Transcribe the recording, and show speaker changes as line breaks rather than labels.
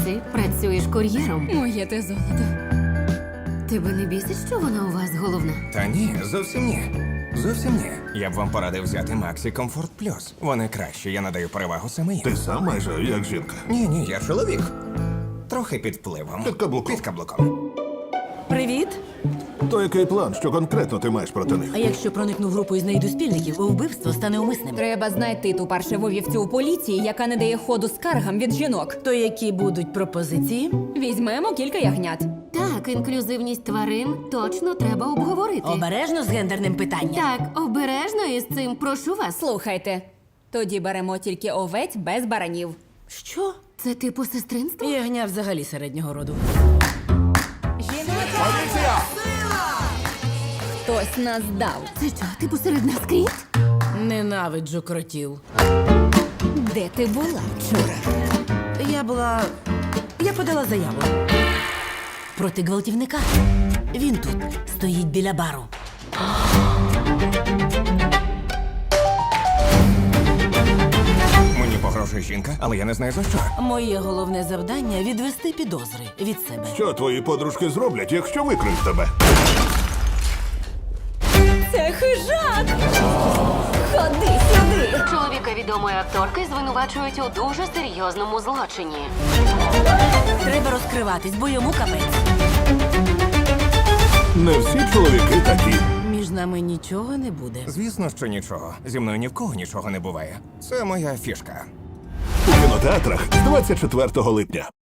Джесі, працюєш кур'єром.
Моє те золото.
Тебе не бісить, що вона у вас головна?
Та ні, зовсім ні. Зовсім ні. Я б вам порадив взяти Maxi Comfort Plus. Вони кращі, я надаю перевагу саме їм.
Ти сам майже як жінка.
Ні, я чоловік. Трохи під впливом.
Під каблуком.
Під каблуком.
Привіт.
То який план, що конкретно ти маєш проти них?
А якщо проникну в групу і знайду спільників, вбивство стане умисним.
Треба знайти ту паршиву вівцю у поліції, яка не дає ходу скаргам від жінок.
То які будуть пропозиції?
Візьмемо кілька ягнят.
Так, інклюзивність тварин точно треба обговорити.
Обережно з гендерним питанням.
Так, обережно із цим, прошу вас.
Слухайте, тоді беремо тільки овець без баранів.
Що?
Це типу сестринство?
Ягня взагалі середнього роду.
Хтось нас дав.
Це що, типу серед нас кріт?
Ненавиджу кротів.
Де ти була вчора?
Я подала заяву. Проти гвалтівника. Він тут стоїть біля бару.
Мені погрожує жінка, але я не знаю за що.
Моє головне завдання відвести підозри від себе.
Що твої подружки зроблять, якщо викриють тебе?
Це хижак! Ходи сюди!
Чоловіка відомої акторки звинувачують у дуже серйозному злочині.
Треба розкриватись, бо йому капець.
Не всі чоловіки такі.
Між нами нічого не буде.
Звісно, що нічого. Зі мною ні в кого нічого не буває. Це моя фішка.
У кінотеатрах з 24 липня.